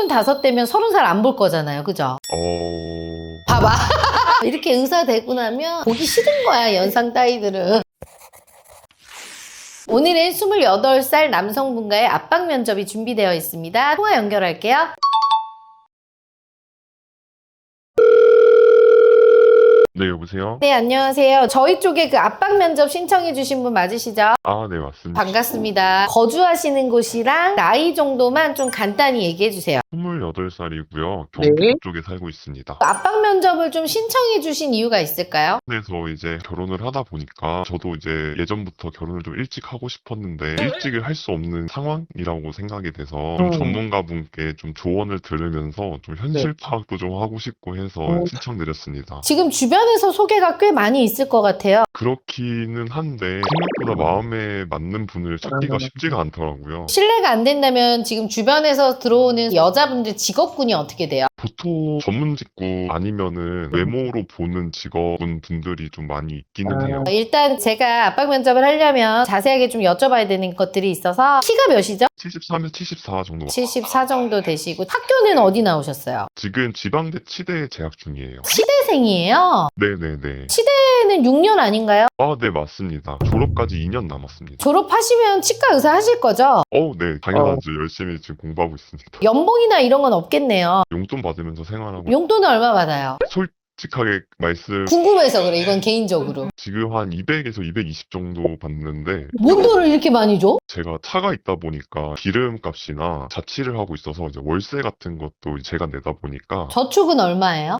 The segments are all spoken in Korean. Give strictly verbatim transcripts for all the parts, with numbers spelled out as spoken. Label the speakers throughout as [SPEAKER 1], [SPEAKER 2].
[SPEAKER 1] 서른다섯 대면 서른 살 안 볼 거잖아요. 그죠?
[SPEAKER 2] 어...
[SPEAKER 1] 봐봐. 이렇게 의사 되고 나면 보기 싫은 거야, 연상 따위들은. 오늘은 스물여덟 살 남성분과의 압박 면접이 준비되어 있습니다. 통화 연결할게요.
[SPEAKER 2] 네, 여보세요?
[SPEAKER 1] 네, 안녕하세요. 저희 쪽에 그 압박 면접 신청해 주신 분 맞으시죠?
[SPEAKER 2] 아, 네, 맞습니다.
[SPEAKER 1] 반갑습니다. 거주하시는 곳이랑 나이 정도만 좀 간단히 얘기해 주세요.
[SPEAKER 2] 스물여덟 살이고요. 경기도
[SPEAKER 3] 네.
[SPEAKER 2] 쪽에 살고 있습니다.
[SPEAKER 1] 압박 면접을 좀 신청해 주신 이유가 있을까요?
[SPEAKER 2] 그래서 이제 결혼을 하다 보니까 저도 이제 예전부터 결혼을 좀 일찍 하고 싶었는데 일찍을 할 수 없는 상황이라고 생각이 돼서 좀
[SPEAKER 3] 음.
[SPEAKER 2] 전문가분께 좀 조언을 들으면서 좀 현실 파악도 좀 하고 싶고 해서
[SPEAKER 3] 어.
[SPEAKER 2] 신청드렸습니다.
[SPEAKER 1] 지금 주변에서 소개가 꽤 많이 있을 것 같아요.
[SPEAKER 2] 그렇기는 한데 생각보다 마음에 맞는 분을 찾기가
[SPEAKER 3] 음.
[SPEAKER 2] 쉽지가 않더라고요.
[SPEAKER 1] 실례가 안 된다면 지금 주변에서 들어오는 여자분들 직업군이 어떻게 돼요?
[SPEAKER 2] 보통 전문 직구 아니면은 외모로 보는 직업군 분들이 좀 많이 있기는 해요.
[SPEAKER 1] 일단 제가 압박 면접을 하려면 자세하게 좀 여쭤봐야 되는 것들이 있어서 키가 몇이죠?
[SPEAKER 2] 칠십삼에서 칠십사 정도.
[SPEAKER 1] 칠십사 정도 되시고 학교는 어디 나오셨어요?
[SPEAKER 2] 지금 지방대 치대에 재학 중이에요.
[SPEAKER 1] 치대생이에요.
[SPEAKER 2] 네네네.
[SPEAKER 1] 치대는 육 년 아닌가요?
[SPEAKER 2] 아, 네, 맞습니다. 졸업까지 이 년 남았습니다.
[SPEAKER 1] 졸업하시면 치과 의사 하실 거죠?
[SPEAKER 2] 어, 네, 당연하죠. 열심히 지금 공부하고 있습니다.
[SPEAKER 1] 연봉이나 이런 건 없겠네요.
[SPEAKER 2] 용돈 받으면서 생활하고
[SPEAKER 1] 용돈은 얼마 받아요?
[SPEAKER 2] 솔직하게 말씀
[SPEAKER 1] 궁금해서 그래, 이건 개인적으로.
[SPEAKER 2] 지금 한 이백에서 이백이십 정도 받는데
[SPEAKER 1] 뭔 돈을 이렇게 많이 줘?
[SPEAKER 2] 제가 차가 있다 보니까 기름값이나 자취를 하고 있어서 이제 월세 같은 것도 제가 내다 보니까
[SPEAKER 1] 저축은 얼마예요?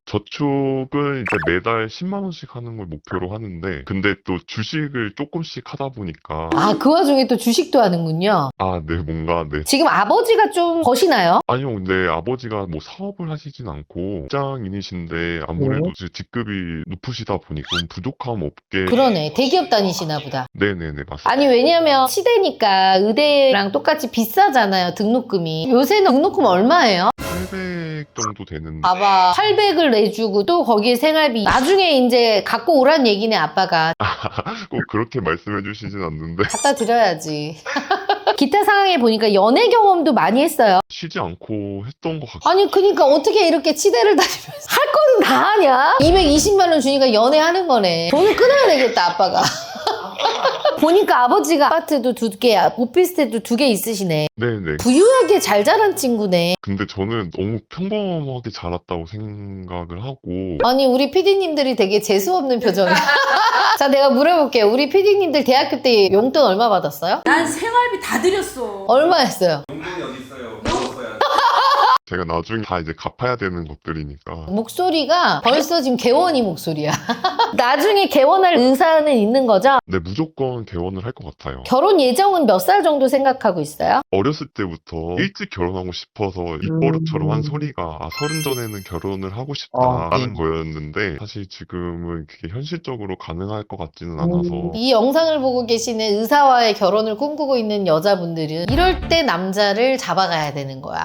[SPEAKER 2] 저축은 이제 매달 십만 원씩 하는 걸 목표로 하는데 근데 또 주식을 조금씩 하다 보니까
[SPEAKER 1] 아, 그 와중에 또 주식도 하는군요.
[SPEAKER 2] 아, 네, 뭔가 네.
[SPEAKER 1] 지금 아버지가 좀 버시나요?
[SPEAKER 2] 아니요, 근데 아버지가 뭐 사업을 하시진 않고 직장인이신데 아무래도 이제 직급이 높으시다 보니까 좀 부족함 없게
[SPEAKER 1] 그러네. 대기업 다니시나 보다.
[SPEAKER 2] 네네네, 맞습니다.
[SPEAKER 1] 아니, 왜냐면 치대니까 의대랑 똑같이 비싸잖아요, 등록금이. 요새는 등록금 얼마예요?
[SPEAKER 2] 팔백 정도 되는데
[SPEAKER 1] 봐봐, 팔백을 내주고 또 거기에 생활비 나중에 이제 갖고 오란 얘기네, 아빠가.
[SPEAKER 2] 꼭 그렇게 말씀해 주시진 않는데
[SPEAKER 1] 갖다 드려야지. 기타 상황에 보니까 연애 경험도 많이 했어요.
[SPEAKER 2] 쉬지 않고 했던 것 같아요.
[SPEAKER 1] 아니, 그니까 어떻게 이렇게 치대를 다니면서 할 거는 다 하냐? 이백이십만 원 주니까 연애하는 거네. 돈을 끊어야 되겠다, 아빠가. 보니까 아버지가 아파트도 두 개, 오피스텔도 두 개 있으시네.
[SPEAKER 2] 네네.
[SPEAKER 1] 부유하게 잘 자란 친구네.
[SPEAKER 2] 근데 저는 너무 평범하게 자랐다고 생각을 하고
[SPEAKER 1] 아니, 우리 피디님들이 되게 재수없는 표정이야. 자, 내가 물어볼게요. 우리 피디님들 대학교 때 용돈 얼마 받았어요?
[SPEAKER 4] 난 생활비 다 드렸어.
[SPEAKER 1] 얼마 했어요?
[SPEAKER 5] 용돈이 어디 있어요? 먹었어야
[SPEAKER 2] 제가 나중에 다 이제 갚아야 되는 것들이니까
[SPEAKER 1] 목소리가 벌써 지금 개원이 목소리야. 나중에 개원할 의사는 있는 거죠?
[SPEAKER 2] 네, 무조건 개원을 할 것 같아요.
[SPEAKER 1] 결혼 예정은 몇 살 정도 생각하고 있어요?
[SPEAKER 2] 어렸을 때부터 일찍 결혼하고 싶어서 입버릇처럼 한 소리가 아, 서른 전에는 결혼을 하고 싶다라는 거였는데 사실 지금은 그게 현실적으로 가능할 것 같지는 않아서
[SPEAKER 1] 이 영상을 보고 계시는 의사와의 결혼을 꿈꾸고 있는 여자분들은 이럴 때 남자를 잡아가야 되는 거야.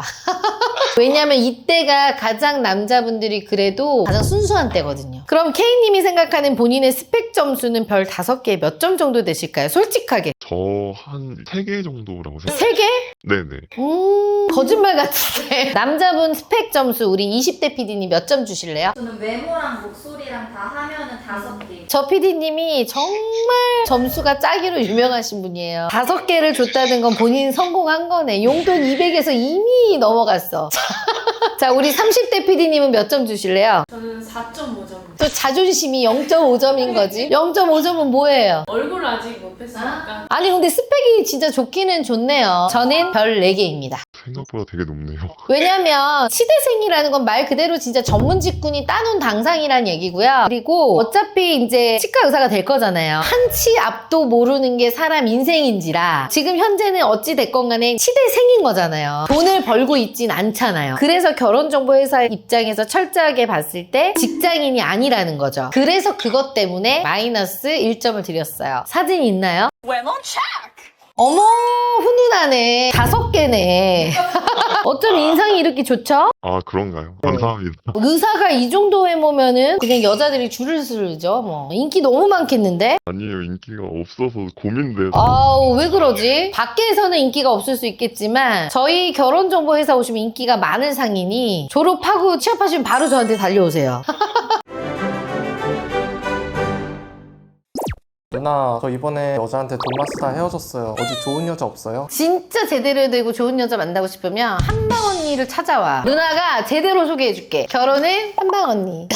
[SPEAKER 1] 왜냐면 이때가 가장 남자분들이 그래도 가장 순수한 때거든요. 그럼 K님이 생각하는 본인의 스펙 점수는 별 다섯 개에 몇 점 정도 되실까요? 솔직하게.
[SPEAKER 2] 저 한 세 개 정도라고 생각.
[SPEAKER 1] 세 개?
[SPEAKER 2] 네네.
[SPEAKER 1] 음, 거짓말 같은데. 남자분 스펙 점수 우리 이십 대 피디님 몇 점 주실래요?
[SPEAKER 6] 저는 외모랑 목소리랑 다 하면은 다섯 개.
[SPEAKER 1] 저 피디님이 정말 점수가 짜기로 유명하신 분이에요. 다섯 개를 줬다는 건 본인 성공한 거네. 용돈 이백에서 이미 넘어갔어. 자, 우리 삼십 대 피디님은 몇 점 주실래요?
[SPEAKER 4] 저는 사 점 오 점.
[SPEAKER 1] 또 자존심이 영 점 오 점인 거지. 영 점 오 점은 뭐예요?
[SPEAKER 4] 얼굴 아직 못 뺐으니까.
[SPEAKER 1] 아니, 근데 스펙이 진짜 좋기는 좋네요. 저는 별 네 개입니다.
[SPEAKER 2] 생각보다 되게 높네요.
[SPEAKER 1] 왜냐면 치대생이라는 건 말 그대로 진짜 전문 직군이 따놓은 당상이란 얘기고요. 그리고 어차피 이제 치과 의사가 될 거잖아요. 한 치 앞도 모르는 게 사람 인생인지라 지금 현재는 어찌 됐건 간에 치대생인 거잖아요. 돈을 벌고 있진 않잖아요. 그래서 결혼정보회사 입장에서 철저하게 봤을 때 직장인이 아니라는 거죠. 그래서 그것 때문에 마이너스 일 점을 드렸어요. 사진 있나요?
[SPEAKER 4] When on check.
[SPEAKER 1] 어머, 훈훈하네. 다섯 개네. 어쩜 인상이 이렇게 좋죠?
[SPEAKER 2] 아, 그런가요? 감사합니다.
[SPEAKER 1] 의사가 이 정도 외모면은 그냥 여자들이 줄을 서죠. 뭐 인기 너무 많겠는데?
[SPEAKER 2] 아니에요, 인기가 없어서 고민돼서.
[SPEAKER 1] 아우, 왜 그러지? 밖에서는 인기가 없을 수 있겠지만 저희 결혼정보회사 오시면 인기가 많은 상인이 졸업하고 취업하시면 바로 저한테 달려오세요.
[SPEAKER 3] 누나, 저 이번에 여자한테 돈 마스터 헤어졌어요. 어디 좋은 여자 없어요?
[SPEAKER 1] 진짜 제대로 되고 좋은 여자 만나고 싶으면 한방 언니를 찾아와. 누나가 제대로 소개해줄게. 결혼은 한방 언니.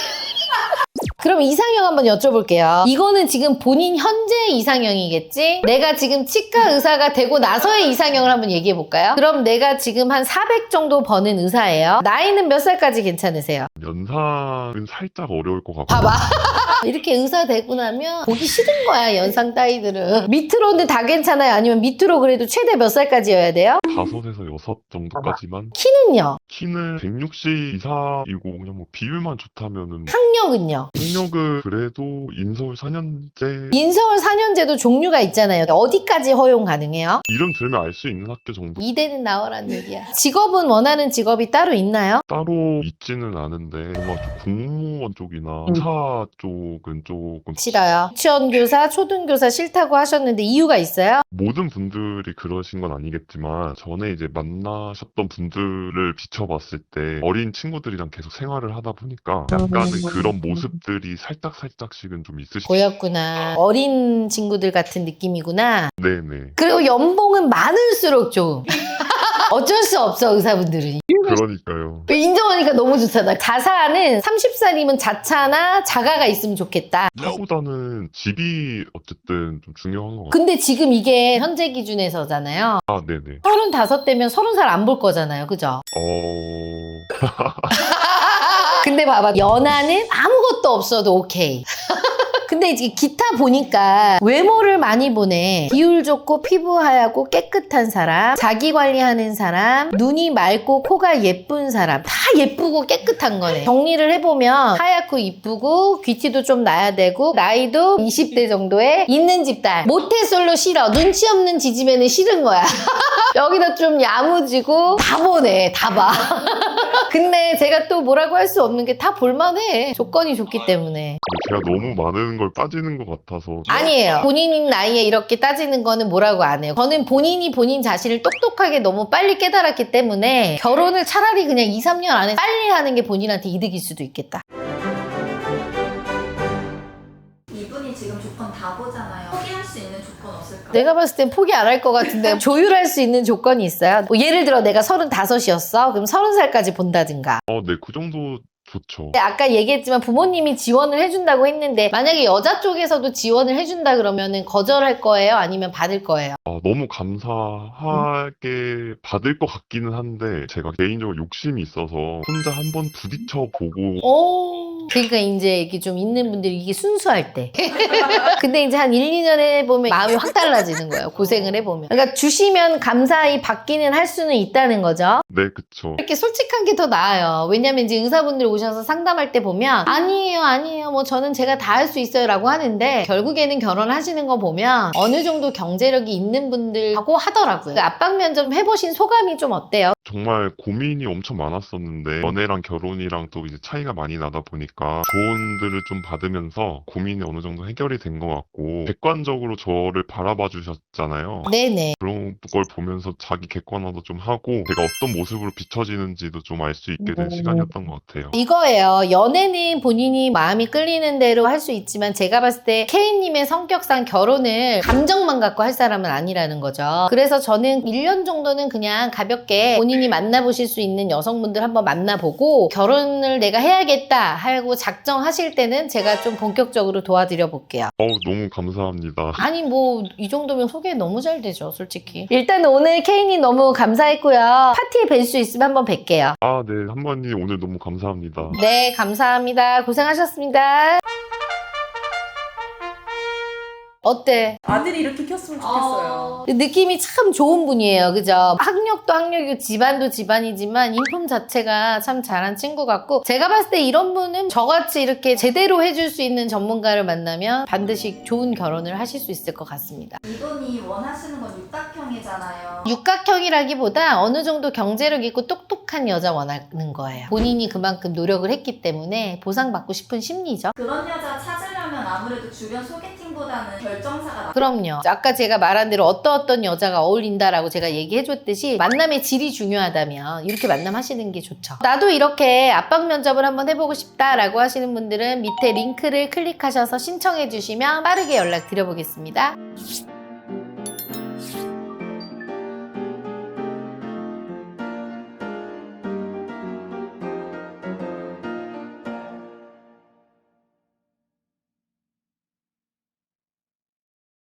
[SPEAKER 1] 그럼 이상형 한번 여쭤볼게요. 이거는 지금 본인 현재 이상형이겠지? 내가 지금 치과 의사가 되고 나서의 이상형을 한번 얘기해볼까요? 그럼 내가 지금 한 사백 정도 버는 의사예요. 나이는 몇 살까지 괜찮으세요?
[SPEAKER 2] 연상은 살짝 어려울 것 같고.
[SPEAKER 1] 봐봐. 이렇게 의사 되고 나면 보기 싫은 거야, 연상 따위들은. 밑으로는 다 괜찮아요? 아니면 밑으로 그래도 최대 몇 살까지여야 돼요?
[SPEAKER 2] 다섯에서 여섯 정도까지만.
[SPEAKER 1] 키는요?
[SPEAKER 2] 키는 백육십 이상이고 그냥 뭐 비율만 좋다면은.
[SPEAKER 1] 학력은요?
[SPEAKER 2] 학력은 그래도 인서울 사 년제.
[SPEAKER 1] 인서울 사 년제도 종류가 있잖아요. 어디까지 허용 가능해요?
[SPEAKER 2] 이름 들으면 알 수 있는 학교 정도.
[SPEAKER 1] 이대는 나오라는 얘기야. 직업은 원하는 직업이 따로 있나요?
[SPEAKER 2] 따로 있지는 않은데 뭔가 좀 공무원 쪽이나 의사 쪽은 조금
[SPEAKER 1] 싫어요. 유치원 교사, 초등교사 싫다고 하셨는데 이유가 있어요?
[SPEAKER 2] 모든 분들이 그러신 건 아니겠지만 전에 이제 만나셨던 분들을 비춰봤을 때 어린 친구들이랑 계속 생활을 하다 보니까 약간은 그런 모습들이 살짝살짝씩은 좀 있으시죠.
[SPEAKER 1] 보였구나. 어린 친구들 같은 느낌이구나.
[SPEAKER 2] 네네.
[SPEAKER 1] 그리고 연봉은 많을수록 좀 어쩔 수 없어, 의사분들은.
[SPEAKER 2] 그러니까요.
[SPEAKER 1] 인정하니까 너무 좋잖아. 자사는 서른 살이면 자차나 자가가 있으면 좋겠다.
[SPEAKER 2] 차보다는 집이 어쨌든 좀 중요한 것 같아요.
[SPEAKER 1] 근데 지금 이게 현재 기준에서잖아요.
[SPEAKER 2] 아, 네네.
[SPEAKER 1] 서른다섯 대면 서른 살 안 볼 거잖아요. 그죠?
[SPEAKER 2] 어...
[SPEAKER 1] 근데 봐봐. 연하는 아무것도 없어도 오케이. 근데 이제 기타 보니까 외모를 많이 보네. 비율 좋고 피부 하얗고 깨끗한 사람, 자기 관리하는 사람, 눈이 맑고 코가 예쁜 사람. 다 예쁘고 깨끗한 거네. 정리를 해보면 하얗고 이쁘고 귀티도 좀 나야 되고 나이도 이십 대 정도에 있는 집딸. 모태솔로 싫어. 눈치 없는 지지매는 싫은 거야. 여기다 좀 야무지고 다 보네. 다 봐. 근데 제가 또 뭐라고 할 수 없는 게 다 볼만해. 조건이 좋기 때문에.
[SPEAKER 2] 제가 너무 많은 걸 빠지는 것 같아서.
[SPEAKER 1] 아니에요. 본인 나이에 이렇게 따지는 거는 뭐라고 안 해요. 저는 본인이 본인 자신을 똑똑하게 너무 빨리 깨달았기 때문에 결혼을 차라리 그냥 이, 삼 년 안에 빨리 하는 게 본인한테 이득일 수도 있겠다.
[SPEAKER 6] 이분이 지금 조건 다 보잖아요. 포기할 수 있는 조건 없을까요?
[SPEAKER 1] 내가 봤을 땐 포기 안 할 것 같은데 조율할 수 있는 조건이 있어요. 뭐 예를 들어 내가 서른다섯이었어. 그럼 서른 살까지 본다든가.
[SPEAKER 2] 어, 네, 그 정도 좋죠.
[SPEAKER 1] 아까 얘기했지만 부모님이 지원을 해준다고 했는데 만약에 여자 쪽에서도 지원을 해준다 그러면은 거절할 거예요? 아니면 받을 거예요?
[SPEAKER 2] 아, 너무 감사하게 받을 것 같기는 한데 제가 개인적으로 욕심이 있어서 혼자 한번 부딪혀 보고.
[SPEAKER 1] 오. 그러니까 이제 이게 좀 있는 분들이 이게 순수할 때. 근데 이제 한 일, 이 년 해보면 마음이 확 달라지는 거예요. 고생을 해보면. 그러니까 주시면 감사히 받기는 할 수는 있다는 거죠.
[SPEAKER 2] 네, 그쵸.
[SPEAKER 1] 이렇게 솔직한 게 더 나아요. 왜냐면 이제 의사분들 오셔서 상담할 때 보면 아니에요, 아니에요. 뭐 저는 제가 다 할 수 있어요 라고 하는데 결국에는 결혼하시는 거 보면 어느 정도 경제력이 있는 분들하고 하더라고요. 압박 면접 해보신 소감이 좀 어때요?
[SPEAKER 2] 정말 고민이 엄청 많았었는데 연애랑 결혼이랑 또 이제 차이가 많이 나다 보니까 조언들을 좀 받으면서 고민이 어느 정도 해결이 된 것 같고 객관적으로 저를 바라봐 주셨잖아요.
[SPEAKER 1] 네네.
[SPEAKER 2] 그런 걸 보면서 자기 객관화도 좀 하고 제가 어떤 모습으로 비춰지는지도 좀 알 수 있게 된 시간이었던 것 같아요.
[SPEAKER 1] 이거예요. 연애는 본인이 마음이 끌리는 대로 할 수 있지만 제가 봤을 때 K님의 성격상 결혼을 감정만 갖고 할 사람은 아니라는 거죠. 그래서 저는 일 년 정도는 그냥 가볍게 본인이 만나보실 수 있는 여성분들 한번 만나보고 결혼을 내가 해야겠다 하고 작정하실 때는 제가 좀 본격적으로 도와드려 볼게요.
[SPEAKER 2] 어우, 너무 감사합니다.
[SPEAKER 1] 아니 뭐 이 정도면 소개 너무 잘 되죠, 솔직히. 일단 오늘 K님 너무 감사했고요. 파티에 뵐 수 있으면 한번 뵐게요.
[SPEAKER 2] 아, 네. 한번님 오늘 너무 감사합니다.
[SPEAKER 1] 네, 감사합니다. 고생하셨습니다. 어때?
[SPEAKER 4] 아들이 이렇게 켰으면 좋겠어요.
[SPEAKER 1] 느낌이 참 좋은 분이에요. 그죠? 학력도 학력이고 집안도 집안이지만 인품 자체가 참 잘한 친구 같고, 제가 봤을 때 이런 분은 저같이 이렇게 제대로 해줄 수 있는 전문가를 만나면 반드시 좋은 결혼을 하실 수 있을 것 같습니다.
[SPEAKER 6] 이분이 원하시는 건 육각형이잖아요.
[SPEAKER 1] 육각형이라기보다 어느 정도 경제력 있고 똑똑한 여자 원하는 거예요. 본인이 그만큼 노력을 했기 때문에 보상받고 싶은 심리죠.
[SPEAKER 6] 그런 여자 찾으려면 아무래도 주변 소개팅보다는 결정사가 나.
[SPEAKER 1] 그럼요. 아까 제가 말한 대로 어떤 어떤 여자가 어울린다라고 제가 얘기해줬듯이 만남의 질이 중요하다면 이렇게 만남하시는 게 좋죠. 나도 이렇게 압박 면접을 한번 해보고 싶다라고 하시는 분들은 밑에 링크를 클릭하셔서 신청해 주시면 빠르게 연락 드려보겠습니다.